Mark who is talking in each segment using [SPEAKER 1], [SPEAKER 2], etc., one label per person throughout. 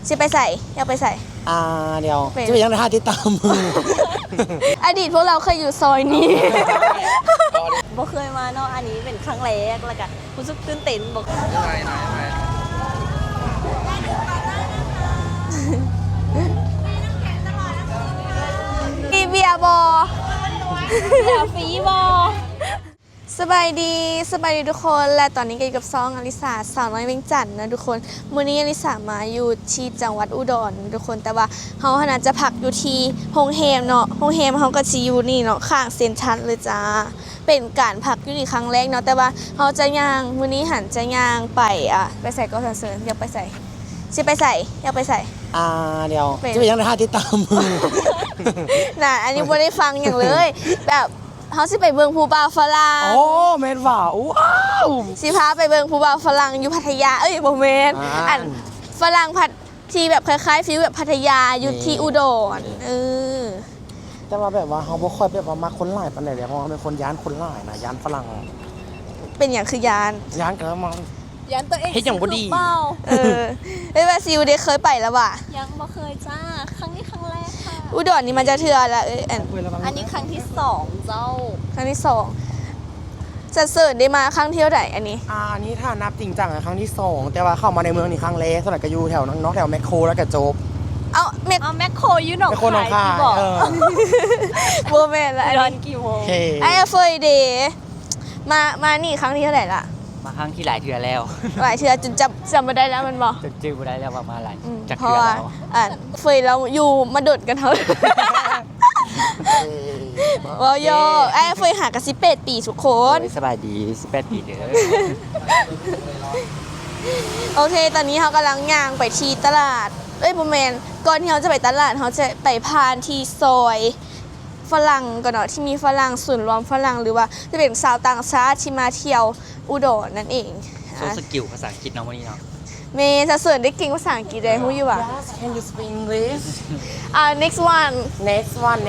[SPEAKER 1] สิไปใส่อยากไปใส่
[SPEAKER 2] เดี๋ยวจะไปยังท่าที่ตามมือ
[SPEAKER 1] อดีตพวกเราเคยอยู่ซอยนี้ บ่เคยมาเนาะอันนี้เป็นครั้งแรกแล้วก็รู้สึกตื่นเต้นบอกมีเบียร์บอเบียร์ฟรีบอสบายดีทุกคนและตอนนี้ก็อยู่กับซองอลิสาสาวน้อยเวียงจันทน์นะทุกคนมื้อนี้อลิสามาอยู่ที่จังหวัดอุดรทุกคนแต่ว่าเฮาขนาดจะพักอยู่ที่โรงแรมเนาะโรงแรมเฮาก็สิอยู่นี่เนาะข้างเซ็นทรัลเลยจ้าเป็นการพักอยู่นี่ครั้งแรกเนาะแต่ว่าเฮาจะย่างมื้อนี้หันจะย่างไปไปใส่ก็เสริญอยากไปใส่สิไปใส่อยากไปใส่
[SPEAKER 2] เดี๋ยวจะไปยังท่าที่ตามมือ
[SPEAKER 1] น่ะอันนี้บ่ได้ฟังอย่างเลยแบบเขาสิไปเบิงภูบ่าวฝรั่ง
[SPEAKER 2] โอ้แม่นว่าว้าว
[SPEAKER 1] สิพาไปเบิงภูบ่าวฝรั่งอยู่พัทยาบ่แม่นอันฝรั่งผัดที่แบบคล้ายๆฟีลแบบพัทยาอยู่ที่อุดร
[SPEAKER 2] แต่ว่าแบบว่าเขาบ่ค่อยแบบว่ามาคนหลายปานใดเลยเพราะเขาเป็นคนย้านคนหลายนะย้านฝรั่ง
[SPEAKER 1] เป็นอย่างคือยาน
[SPEAKER 2] กันแล้วมัน
[SPEAKER 1] ยานตัวเอง
[SPEAKER 2] เฮ็ดอย่างบ่ดี
[SPEAKER 1] เอ้ยว่าซิวได้เคยไปแล้วว่ะ
[SPEAKER 3] ยังบ่เคยจ้าครั้งนี้ครั้งแรกค่ะ
[SPEAKER 1] อุดรนี่มันจะเทื่อละ
[SPEAKER 3] อันนี้ครั้งที่2เจ้า
[SPEAKER 1] ครั้งที่2จะเสิร์ชได้มาครั้งเที่ยวไหนอันนี้
[SPEAKER 2] อันนี้ถ้านับจริงจังครั้งที่2แต่ว่าเข้ามาในเมืองนี่ครั้งแรกส่วนใหญ่ก็อยู่แถวน้องแถวแมคโครแล้วก็โจ๊บ
[SPEAKER 1] เอา
[SPEAKER 3] แมคโครอยู่หนองคาย
[SPEAKER 1] บอกบ่แม่นละอันนี้
[SPEAKER 3] กี่โมง
[SPEAKER 1] ไอ้เฟยเดย์มานี่ครั้งที่เท่าไหร่ละ
[SPEAKER 4] มาครั้งที่หลายเทื่อแล้ว
[SPEAKER 1] หลายเทื่อจนจำไม่ได้แล้วมันบอก
[SPEAKER 4] จื้อไม่ได้แล้วว่ามาหลาย
[SPEAKER 1] จากเทื่อแล้วเฟยเราอยู่มาดดกันเท่าว้าวโยไอ้เฟยหากระ18 ปีทุกคน
[SPEAKER 4] สบายดี18 ปีเด้อ
[SPEAKER 1] โอเคตอนนี้เขากำลังย่างไปที่ตลาดประมาณก่อนที่เขาจะไปตลาดเขาจะไปผ่านที่ซอยฝรั่งก่อนเนาะที่มีฝรั่งศูนย์รวมฝรั่งหรือว่าจะเป็นชาวต่างชาติที่มาเที่ยวอุดรนั่นเอง
[SPEAKER 4] โซสกิลภาษาอังกฤษเนาะวันนี้เนาะ
[SPEAKER 1] เมย์จะเสริญได้เก่งภาษาอังกฤษได้ฮู้อยู่อ่ะ
[SPEAKER 2] Can you speak English
[SPEAKER 1] next one
[SPEAKER 2] next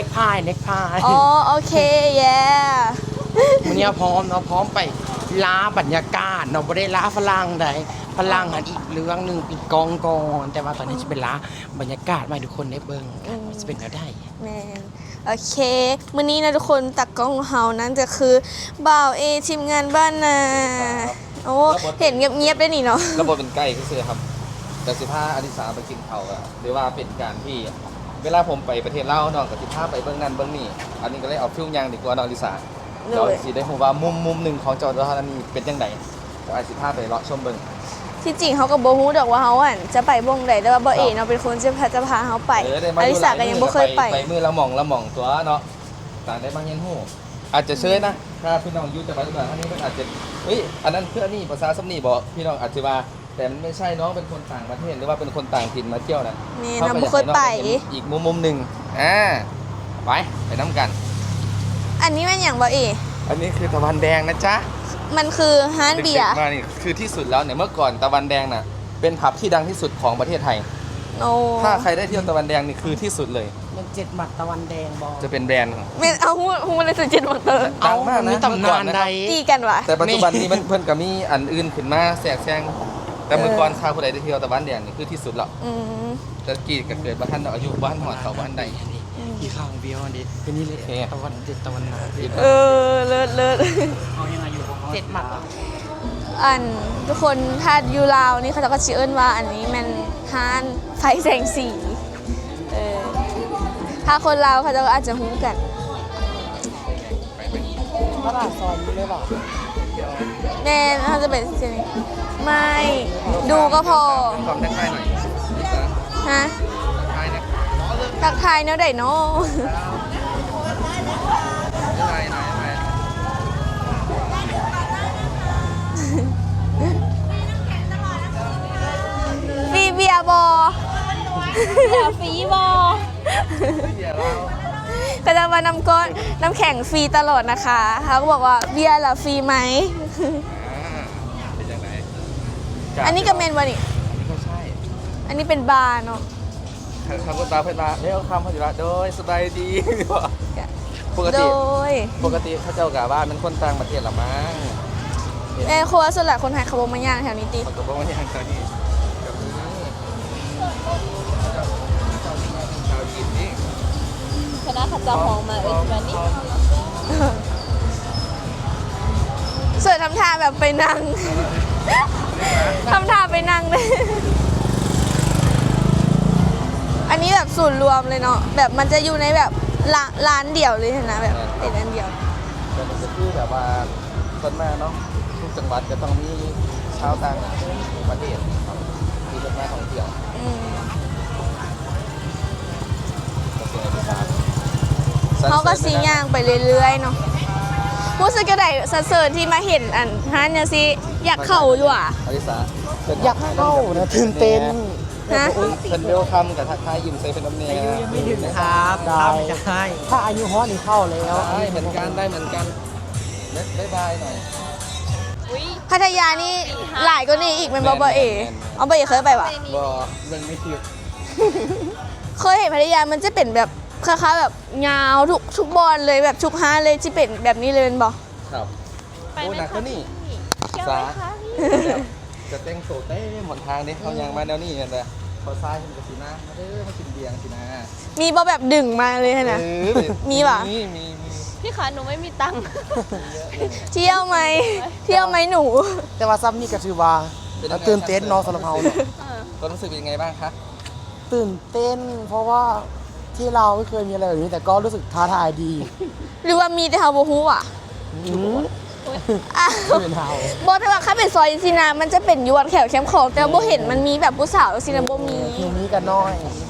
[SPEAKER 2] pie
[SPEAKER 1] อ๋อโอเค yeah
[SPEAKER 2] วันนี้พร้อมเนาะพร้อมไปล้าบรรยากาศเนาะบ่ได้ล้าฝรั่งใดฝรั่งอันอีกเรื่องนึงปิดกองก่อนแต่ว่าตอนนี้จะเป็นล้าบรรยากาศมาทุกคนได้เบิ่งจะเป็นแล้วได้
[SPEAKER 1] แม่โอเคมื้อนี้นะทุกคนตักกล้องของเฮานั้นจะคือบ่าวทีมงานบ้านนาโอ้เห็นเงียบๆได้นี่เนาะ
[SPEAKER 5] ระบบเป็นใกล้ก็คือครับแต่15อลิสาไปกินเขาอะหรือว่าเป็นการที่เวลาผมไปประเทศลาวน้องกับ15ไปเบื้องนั้นเบื้องนี้อันนี้ก็เลยเอาฟิลยังดีกว่าน้องอลิสาเราสิได้รู้ว่ามุมหนึ่งของจังหวัดอุดรธานีเป็นยังไงก็ไอ้15ไปเลาะชมเบื้อง
[SPEAKER 1] ที่จริงเขาก็บ่ฮู้ดอกว่าเฮาจะไปบ่งใดแต่ว่าบ่เนาะเป็นคนจะพาเฮาไปอลิสาก็ยังบ่เคยไป
[SPEAKER 5] มือละหม่องตัวเนาะต่างได้บางเย็นฮู้อาจจะเชยนะถ้าพี่น้องอยู่จังหวัดอุดรธานีมันอาจจะอันนั้นเพื่อนี่ภาษาสำนีบอกพี่น้องอาจจะว่าแต่มันไม่ใช่น้องเป็นคนต่างประเทศหรือว่าเป็นคนต่างถิ่นมาเที่ยวนะ
[SPEAKER 1] นี่เราไม่เคยไป
[SPEAKER 5] อีกมุมหนึ่งไปน้ำกัน
[SPEAKER 1] อันนี้มันอย่างบ่
[SPEAKER 5] อันนี้คือตะวันแดงนะจ๊ะ
[SPEAKER 1] มันคือฮานเบียร์
[SPEAKER 5] มานี่คือที่สุดแล้วเนี่ยเมื่อก่อนตะวันแดงน่ะเป็นผับที่ดังที่สุดของประเทศไทยถ้าใครได้เที่ยวตะวันแดงนี่คือที่สุดเลย
[SPEAKER 2] มัน7 หมัดตะวันแดงบอ
[SPEAKER 5] จะเป็นแบรนด์
[SPEAKER 1] เอาหูมันเลย7 หมัด
[SPEAKER 5] ดังมากนะ
[SPEAKER 2] มีตำนานใด
[SPEAKER 1] ตีกันวะ
[SPEAKER 5] แต่ปัจจุบันนี้มันเพิ่นก็มีอันอื่นขึ้นมาแทรกแซงแต่เมื่อก่อนชาวผู้ใดได้เที่ยวตะวันแดงนี่คือที่สุดแล้วแต่กี่ก็เกิดบ้านอายุบ้านหอดเขาบ้านใด
[SPEAKER 2] ที่ข้างเบียวนี่เป็นนี่เลยตะวันตะวันนา
[SPEAKER 1] เลิศ
[SPEAKER 2] เอายังไงอยู่7 หมัด
[SPEAKER 1] ทุกคนถ้าอยู่ลาวนี่เขาจะก็ชื่อว่าอันนี้มันฮานไฟแสงสีถ้าคนลาวเขาจะอาจจะฮู้กัน
[SPEAKER 2] ตลาดซอยนี้เลยบอก
[SPEAKER 1] แม่เขาจะเป็นเสียงไม่ดูก็พอ
[SPEAKER 5] ความทักทายหน่อย
[SPEAKER 1] ฮะทักทายเนาะได้เนาะฟีเบียบอ
[SPEAKER 3] ฟีบอ
[SPEAKER 1] ก็จะมานำก้อนน้ำแข็งฟรีตลอดนะคะเขาก็บอกว่าเบียร์ล่ะฟรีไหมอันนี้ก็เมนวะนี่
[SPEAKER 5] ไม่ใช่
[SPEAKER 1] อันนี้เป็นบาร์เนาะ
[SPEAKER 5] คำพูดตาเพื่อนมาเรียกคำพอดีละโดยสบายดีปกติเขาเจ้ากะบ้านเป็นคนต่างประเทศหรอมั้ง
[SPEAKER 1] ครัวส่วนใหญ่คนไทยเขาบอกมาย่างแถวนี้ตี
[SPEAKER 5] เขาบอกมาย่างแถวนี้
[SPEAKER 3] เจะหองมาแบบนี้
[SPEAKER 1] ส่วนทำท่าแบบไปนั่ง ทำท่าไปนั่งเลย อันนี้แบบศูนย์รวมเลยเนาะ แบบมันจะอยู่ในแบบร้านเดี่ยวเลยนะแบบเป็นร้านเดี่ยว
[SPEAKER 5] แต่มันจะคือแบบว่าต้นมาเนาะทุกจังหวัดจะต้องมีชาวต่างประเทศครับที่เป็นมาท่องเที่ยว
[SPEAKER 1] อืม
[SPEAKER 5] ก็เป็นอดิสา
[SPEAKER 1] เขาก็สีย่างไปเรื่อยๆเนาะรู้สึกก็ได้สะเสริญที่มาเห็นอันฮันเนี่ยสิอยากเข้าอยู่อ่ะ
[SPEAKER 5] อดิสา
[SPEAKER 2] อยากเข้านะตื่นเต้น
[SPEAKER 1] ฮะ
[SPEAKER 5] เพิ่นเวลคัมกับทักทายยิ้มใส่เป็นน้ำเนีย
[SPEAKER 4] ไม่ถึงครับทำจะให้
[SPEAKER 2] ถ้าอายุฮอตนี่เข้าแล้ว
[SPEAKER 5] ได้เหมือนกันได้เหมือนกันบ๊ายบายหน่อย
[SPEAKER 3] อุ้ย
[SPEAKER 1] พัทยานี่หลายก็นี่อีกเป็นบอบเอเอาไปเคยไปปะ
[SPEAKER 5] บอเรื่องไม่คิด
[SPEAKER 1] เคยเห็นพัทยามันจะเป็นแบบคล้ายๆแบบยาวทุกบอลเลยแบบทุกฮาเลยที่เป็นแบบนี้เลยเป็นบอ
[SPEAKER 5] ครับ
[SPEAKER 3] ไป
[SPEAKER 5] โอ้
[SPEAKER 3] ไหม
[SPEAKER 5] หนัก
[SPEAKER 3] คะ
[SPEAKER 5] ก็นี่
[SPEAKER 3] เที่ยวไหมคะพี่
[SPEAKER 5] จะแต่งโซเต้หมดทางนี่เขายังมาแนวนี้กันเลยพอซ้ายมันก็สีหน้ามาเด้อมากินเบียร์สินะ
[SPEAKER 1] มีบอแบบดึงมาเลยนะ มีปะ
[SPEAKER 5] มี
[SPEAKER 3] พี่คะหนูไม่มีตังค์
[SPEAKER 1] เที่ยวไหมเที่ยวไหมหนู
[SPEAKER 2] แต่ว่าซ้ำนี่ก็ถือว่าตื่นเต้นเนาะสำหรับเราเนาะ
[SPEAKER 5] ความรู้สึกเป็นยังไงบ้างคะ
[SPEAKER 2] ตื่นเต้น เพราะว่าที่เราไม่เคยมีอะไรแบบนี้แต่ก็รู้สึกท้าทายดี
[SPEAKER 1] หรือว่ามีแต่เฮาโบฮู้อ่ะ อ้าว
[SPEAKER 2] ไม่เป็นเฮา
[SPEAKER 1] บอแต่ว่าถ้าเป็นซอยสินะมันจะเป็นยวนแขวแคมป์ของแต่ว่าโบเห็นมันมีแบบผู้สาวสินะโบมี
[SPEAKER 2] ทีนี้กันน้อย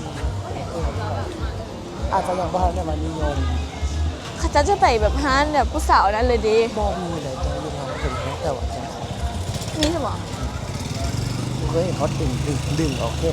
[SPEAKER 2] อาจจะยังบ้านเนี่ยมันนิยม
[SPEAKER 1] เขาจะไปแบบฮานแบบผู้สาวนั้นเลยดิ
[SPEAKER 2] บอมีเลยจะอยู่ทางเป็นแค่แต่ว่าแค่ของ
[SPEAKER 1] นี่สมอง
[SPEAKER 2] เคยเห็นเขาดึงออกแค่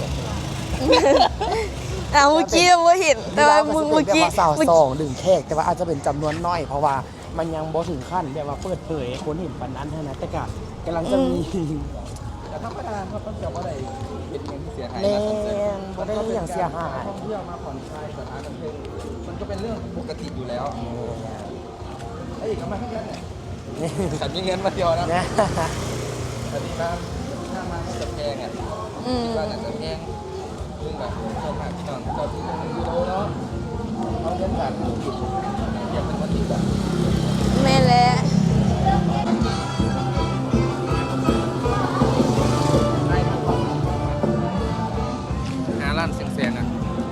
[SPEAKER 1] อ่ะเมื่อกี้โบเห็นแต่ว่าเมื่อกี้
[SPEAKER 2] สาวสองดึงแขกแต่ว่าอาจจะเป็นจำนวนน้อย เพราะว่ามันยังบ่ถึงขั้นแบบว่าเปิดเผยให้คนเห็นปันนั้นเท่านั้นแต่ก็กำลังจะมี
[SPEAKER 5] แต่ธรรมดาครับต้องเกี่ยวว่าอะไรเป็นเงินที่เสียหาย
[SPEAKER 2] แน่
[SPEAKER 5] นะคอนเสิร์ต
[SPEAKER 2] บ่ได้อย่างเสียหาย
[SPEAKER 5] ท่องเที่ยวมาผ่อนคลายสถานบันเทิงมันก็เป็นเรื่องปกติอยู่แล้วไอ้อีกทำไมทั้งนั้นเนี่ยฉันมีเงินมาเดียวนะ
[SPEAKER 2] เนี่ย
[SPEAKER 5] แต่ดีมากถ้ามาจะแพงอ่ะ
[SPEAKER 1] อืม
[SPEAKER 5] ว่าน่าจะแพงเรื่องแบบเจ้าผ่านพี่น้องเจ้าที่1 ยูโรเนาะเอาเงินบาทมาคิดอยากเป็นวันที่แบบ
[SPEAKER 1] แม่และ
[SPEAKER 5] หาร้านเสียงๆอ่ะ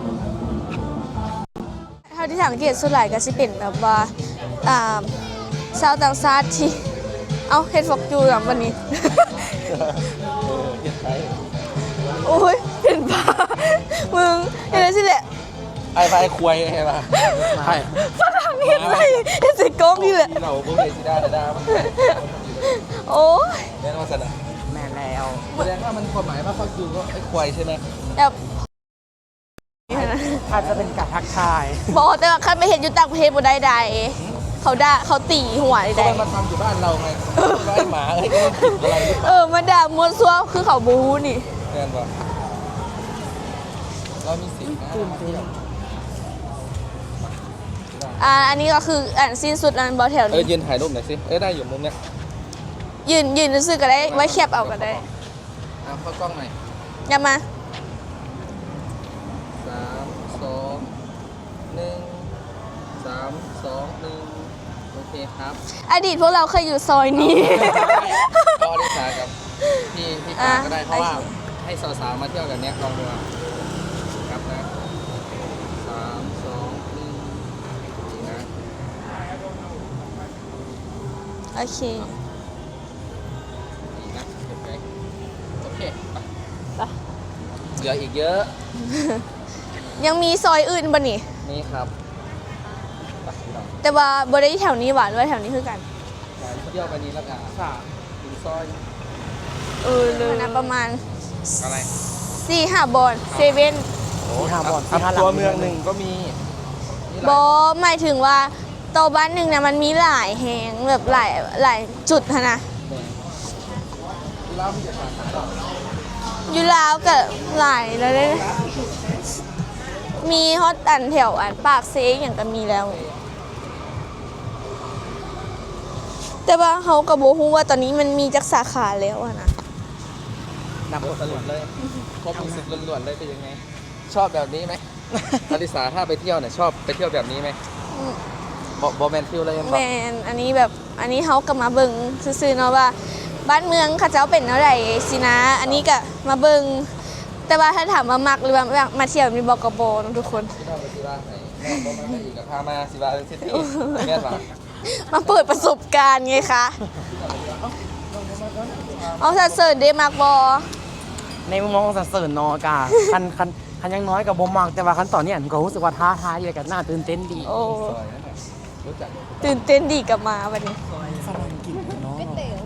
[SPEAKER 1] เท่าที่สังเกตส่วนใหญ่ก็สิเป็นแบบว่าชาวต่างชาติที่เอาเฮ็ดฟอกจูแบบวันนี้
[SPEAKER 5] เฮ็ดไทย
[SPEAKER 1] โอ้ยเป็นบ้ามึงเห็นแล้วสิแหละ
[SPEAKER 5] ไอ้ไอ้ควยไอ้ป่ะใช่
[SPEAKER 1] ฝรั่งเห็นไหมเห็นใส่กล้องนี่แหละ
[SPEAKER 5] ที่เราบุเรซิดาดามัน
[SPEAKER 1] โอ้ย
[SPEAKER 5] แน่นอนสันอ่ะ
[SPEAKER 2] แม่แล้ว
[SPEAKER 5] แสดงว่ามันความหมายว่าฟักยูก็ไอ้ควายใช่ไหม
[SPEAKER 1] แบบ
[SPEAKER 2] อาจจะเป็นการทักทาย
[SPEAKER 1] บอกแต่ว่าคันไปเห็นอยู่ต่างประเทศบ่ได้ใดเขาด่าเขาตีหัว
[SPEAKER 5] ก็
[SPEAKER 1] ใด
[SPEAKER 5] มันมาทำอยู่บ้านเราไงไอ้หมาไอ้ก็มันผิดอะไรหรือเป
[SPEAKER 1] เอ
[SPEAKER 5] ล่า
[SPEAKER 1] อมาด่ามัวซัวคือเขาบูนี่
[SPEAKER 5] แน่นป่ะเรามีสิทธิ์นะมาเที่ยว
[SPEAKER 1] อันนี้ก็คืออันสิ้นสุดอันบอแถวนี้
[SPEAKER 5] ยืนถ่ายรูปหน่อยสิได้อยู่มุมเนี้ย
[SPEAKER 1] ยืนซื้อก็ได้ไว้แคบเอาก็ได้
[SPEAKER 5] เข้ากล้องหน่อย
[SPEAKER 1] อย่ามา
[SPEAKER 5] 3 2 1 3 2 1โอเคครับ
[SPEAKER 1] อดีตพวกเราเคยอยู่ซอยนี้
[SPEAKER 5] ก็อลิสากับพี่ปาก็ได้เพราะว่าให้สาวๆมาเที่ยวแบบเนี้ยลองดูครับนะ3 2 1นี่นะ
[SPEAKER 1] โอเค
[SPEAKER 5] ดีนะโอเคไปเหลืออีกเยอะ
[SPEAKER 1] ยังมีซอยอื่นบ่นี่
[SPEAKER 5] นี่ครับไปพี่น้อง
[SPEAKER 1] แต่ว่าบ่ได้แถวนี้หวานว่าแถวนี้คือกัน
[SPEAKER 5] ไปเที่ยวไปนี้แล้วกันถึงซอย
[SPEAKER 1] เลยนะประมาณ
[SPEAKER 5] อะไร
[SPEAKER 1] 4-5 บอลเซเว่น
[SPEAKER 2] ที่หาบ่อน
[SPEAKER 5] ครับ
[SPEAKER 2] ที่หาหลัง
[SPEAKER 5] ตัวเมืองหนึ่งก็มีนี่
[SPEAKER 1] บอหมายถึงว่าโตวบ้านหนึ่งเนี่ยมันมีหลายแหงแบบหลายจุดหั้นนะ
[SPEAKER 5] เล่ามีแต่สาขาหรอ
[SPEAKER 1] อยู่ลาวกับหลายแล้วเลยนะมีฮอตอันแถวอันปากเซกอย่างก็มีแล้ว แต่ว่าเขากับโบฮู้ว่าตอนนี้มันมีจักสาขาแล้วอะนะ
[SPEAKER 5] นำบทสรุปเลยครบรู้สึกล้วนๆเลยเป็นยังไง ชอบแบบนี้ไหม อลิสาถ้าไปเที่ยวเนี่ยชอบไปเที่ยวแบบนี้ไหมบ่แมนฟิลเลยยัง
[SPEAKER 1] แมนอันนี้แบบอันนี้เขาก็มาเบิ่งซื่อๆเนาะว่าบ้านเมืองเขาเจ้าเป็นเท่าไหร่สินะ อันนี้ก็มาเบิ่งแต่ว่าถ้าถามว่ามักหรือว่ามาเที่ยวมีบอกกบเนาะทุกคน
[SPEAKER 5] พี่น้องไปสิว่าให้น้องบ่มาอีกกับพามาสิว่าเซตี้แม่นบ่
[SPEAKER 1] มาเปิดประสบการณ์ไงคะเอาสัดเสริญเดมักบอ
[SPEAKER 2] ในมุมมองของสรรเสริญเนอกาคันยังน้อยกับบ่มักแต่ว่าคันตอนนี้อันก็รู้สึกว่าท้าทายอยู่กับน่าตื่นเต้นดี
[SPEAKER 1] โอ้
[SPEAKER 5] ซอยนั่นน่ะรู้จัก
[SPEAKER 1] ตื่นเต้นดีกลับมาวันนี้
[SPEAKER 2] ฝรั่งกินเนาะ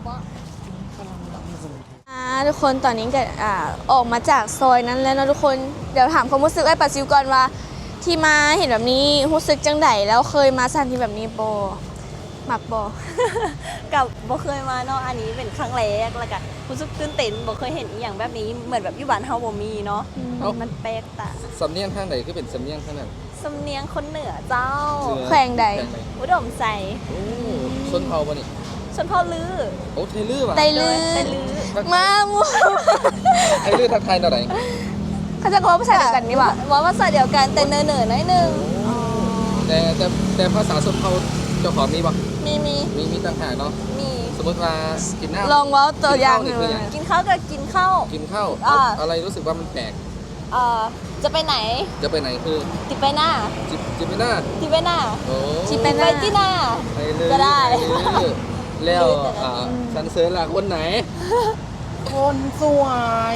[SPEAKER 1] ทุกคนตอนนี้ก็ออกมาจากซอยนั้นแล้วนะทุกคนเดี๋ยวถามความรู้สึกไอ้ปัสซิวก่อนว่าที่มาเห็นแบบนี้รู้สึกจังไดแล้วเคยมาสถานที่แบบนี้บอมักบอ
[SPEAKER 3] กับบ่เคยมาเนาะอันนี้เป็นครั้งแรกแล้วก็รู้สึกตื่นเต้นบ่เคยเห็นอีหยังแบบนี้เหมือนแบบอยู่บ้านเฮาบ่มีเนาะมันแปลกตา
[SPEAKER 5] สำเนียงทางไหนคือเป็นสำเนียงทางนั้น
[SPEAKER 3] สำเนียงคนเหนือเจ้า
[SPEAKER 1] แขวงใด
[SPEAKER 3] อุดมใส่
[SPEAKER 5] โอ้ชนเผ่าบ่นี่
[SPEAKER 3] ชนเผ่าลือ
[SPEAKER 5] โอ้ไทยลื้อว่ะ
[SPEAKER 1] ไตลือ
[SPEAKER 3] ไตลือ
[SPEAKER 1] มามู
[SPEAKER 5] ไทยลื้อทักทายเท่าไหร่
[SPEAKER 1] เขาจะกลัวภาษาเดียวกันนี่หว่า
[SPEAKER 3] ว่าภาษาเดียวกันแต่เนอๆหน่อยนึง
[SPEAKER 5] แต่ภาษาชนเผ่าเจ้าของมีบ่
[SPEAKER 3] มี
[SPEAKER 5] มีต่างหากเนาะ
[SPEAKER 3] มี
[SPEAKER 5] สมมติว่ากินน้ำ
[SPEAKER 1] ลองเว้าตัวอย่างห
[SPEAKER 5] กิ
[SPEAKER 1] นึ่
[SPEAKER 5] น
[SPEAKER 1] ง
[SPEAKER 5] ข้าวนี่คือหยัง
[SPEAKER 3] กินข้าวก็กินข้าว
[SPEAKER 5] กินข้าว
[SPEAKER 3] อ่า
[SPEAKER 5] อะไรรู้สึกว่ามันแปลก
[SPEAKER 3] จะไปไหน
[SPEAKER 5] จะไปไหนคือ
[SPEAKER 3] ติไปหน้า
[SPEAKER 5] จิบไม่น่า
[SPEAKER 3] ติไปหน้า
[SPEAKER 5] โอ้
[SPEAKER 1] ที่เป็น
[SPEAKER 3] ไปที่หน้า
[SPEAKER 5] ไปเลย
[SPEAKER 3] ก็ได้
[SPEAKER 5] ปเลยแล้วสันเสริญหลักคนไหน
[SPEAKER 2] คนสวย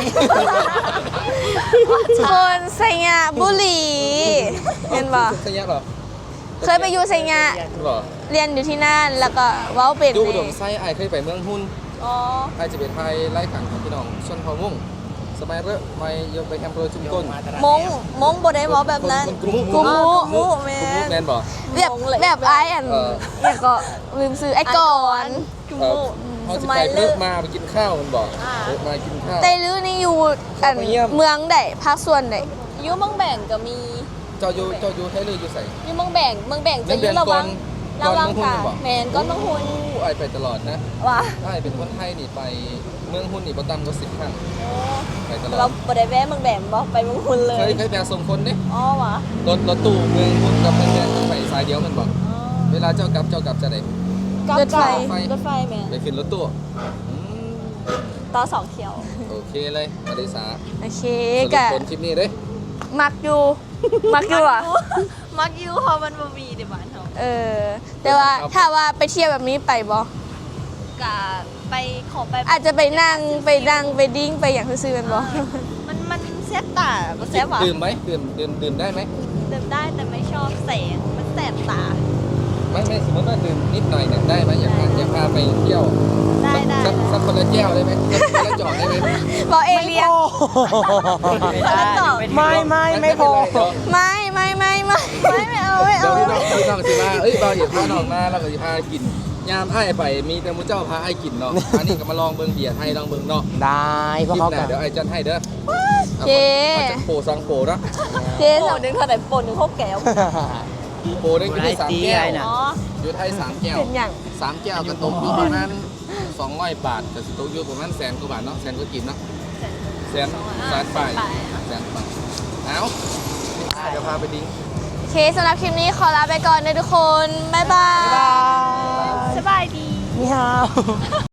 [SPEAKER 1] คนไซยะบุรีเห็นบ่
[SPEAKER 5] สัญญาหรอ
[SPEAKER 1] เคยไปอยู่ไซยะ
[SPEAKER 5] หรอ
[SPEAKER 1] เรียนอยู่ที่นั่นแล้วก็เว้าเป็น
[SPEAKER 5] ดู
[SPEAKER 1] เล
[SPEAKER 5] อุดม
[SPEAKER 1] ย
[SPEAKER 5] ไส้ไอายเคยไปเมืองหุ้น
[SPEAKER 3] อ๋อ
[SPEAKER 5] ไอายจะเป็นไทยไล่ขันของพี่น้องชนเผ่ามุ่งสมัยเริ่มไม่ยกไปแอมเภอชุมก้น
[SPEAKER 3] มงบ่ได้เว้าแบบนั้น
[SPEAKER 5] คนกลุ่ม
[SPEAKER 1] กลุ่ม
[SPEAKER 3] อ๋อกุมุแม่
[SPEAKER 5] กลุ่มแมนบอก
[SPEAKER 1] แบบไอ้อันเนี่ยก็ลืมซื้อไอ้ก่อน
[SPEAKER 3] กุมุ
[SPEAKER 5] เขาจะไปเพิ่มมาไปกินข้าวมันบอก
[SPEAKER 3] อ่า
[SPEAKER 5] เพิ่มมากินข้าว
[SPEAKER 1] ไตลือนี่อยู่อัน
[SPEAKER 5] ไปเยี่ยม
[SPEAKER 1] เมืองใดภาคส่วนใด
[SPEAKER 3] อยู่เมืองแบ่งก็มี
[SPEAKER 5] เจ้าอยู่ไทยเลยอยู่ใส่
[SPEAKER 3] อยู่เมืองแบ่งจะอยู่ระวัง
[SPEAKER 5] ก่อน
[SPEAKER 3] ระวัง
[SPEAKER 5] เมืองหุ้น
[SPEAKER 3] ค่ะ
[SPEAKER 5] บอก
[SPEAKER 3] แม่นก็ต้องหุ่น
[SPEAKER 5] ไอายไปตลอดนะ
[SPEAKER 3] ว่า
[SPEAKER 5] ไอายเป็นคนไทยนี่ไปเมืองหุ้นนี่ประจำก็10 ครั้งไปตลอ
[SPEAKER 3] เรา
[SPEAKER 5] ด
[SPEAKER 3] บ่ได้แวะเมืองแบ่งบ่ไปเมืองหุ่นเล
[SPEAKER 5] เค
[SPEAKER 3] ย
[SPEAKER 5] ยไปส่งคนเนี่ย
[SPEAKER 3] อ๋อว่ะ
[SPEAKER 5] รถตู้เมืองหุ้นกับเมืองแดงไปสายเดียวมันบอก
[SPEAKER 3] อ๋อ
[SPEAKER 5] เวลาเจ้ากลับจะไหน
[SPEAKER 1] รถไฟ
[SPEAKER 3] รถไฟแม่น
[SPEAKER 5] ไปขึ้นรถตู้
[SPEAKER 3] ต่อสองเที่ยว
[SPEAKER 5] โอเคเลยอลิสา
[SPEAKER 1] โอเค
[SPEAKER 5] สรุป
[SPEAKER 1] กะ
[SPEAKER 5] ผลคลิปนี้เด้
[SPEAKER 1] มักอยู่มักอยู่อ่ะ
[SPEAKER 3] มักอยู่เพราะมันบ่มีในบ้านเฮา
[SPEAKER 1] แต่ว่าถ้าว่าไปเที่ยวแบบนี้ไปบ่
[SPEAKER 3] กะไปขอไป
[SPEAKER 1] อาจจะไปนั่งไปดิ้งไปอย่างซื่อๆกันบ่
[SPEAKER 3] มันแซ่บตาบ่แซ่บว่ะ
[SPEAKER 5] ดื่มไหมดื่มได้ไหม
[SPEAKER 3] ดื่มได้แต่ไม่ชอบแสงมันแสบตา
[SPEAKER 5] ไม่สมมติว่าดื่มนิดหน่อยเนี่ยได้ไหมอยากพาไปเที่ยว
[SPEAKER 3] ได้
[SPEAKER 5] สักคนละแก้วได้ไหมสักคนละจอกได้ไหม
[SPEAKER 1] บ่เอเลียง
[SPEAKER 3] แล้วต่อ
[SPEAKER 2] ไม่พอ
[SPEAKER 1] ไม่เอา
[SPEAKER 5] เดี๋ยวพี่น้องสิมาเราเดี๋ยวพาน้องมาเราก็จะพากินยามไอ้ไปมีแต่มูเจ้าพาไอ้กินเนาะอันนี้ก็มาลองเบิ่งเบียร์ไทยลองเบิ่งเนาะ
[SPEAKER 2] ได้เพ
[SPEAKER 5] ค
[SPEAKER 2] ราะ
[SPEAKER 5] ลิป
[SPEAKER 2] เขา
[SPEAKER 5] ห
[SPEAKER 2] กั
[SPEAKER 5] น้าน เดี๋ยวไอ้จันให้เด้อ
[SPEAKER 1] โอเค
[SPEAKER 5] จะโปรซองโปรเนาะ
[SPEAKER 1] เจ๊
[SPEAKER 3] โอ้นึงเท่าไหร่ปนนึง6แก้ว
[SPEAKER 5] โปรได้กินได้3 แก้ว
[SPEAKER 3] อ๋อ
[SPEAKER 5] อยู่ไทย3 แก้ว
[SPEAKER 1] เป็นอย่าง
[SPEAKER 5] 3 แก้วก็ตกอยู่ประมาณ200 บาทก็สิตกอยู่ประมาณ100,000 กว่าบาทเนาะ100,000 ก็กินเนาะ100,000 ไป100,000 ไปเอาเดี๋ยวพาไปดิ้ง
[SPEAKER 1] โอเคสำหรับคลิปนี้ขอลาไปก่อนนะทุกคน บ๊ายบาย
[SPEAKER 3] สบายดี
[SPEAKER 2] นี่ฮาว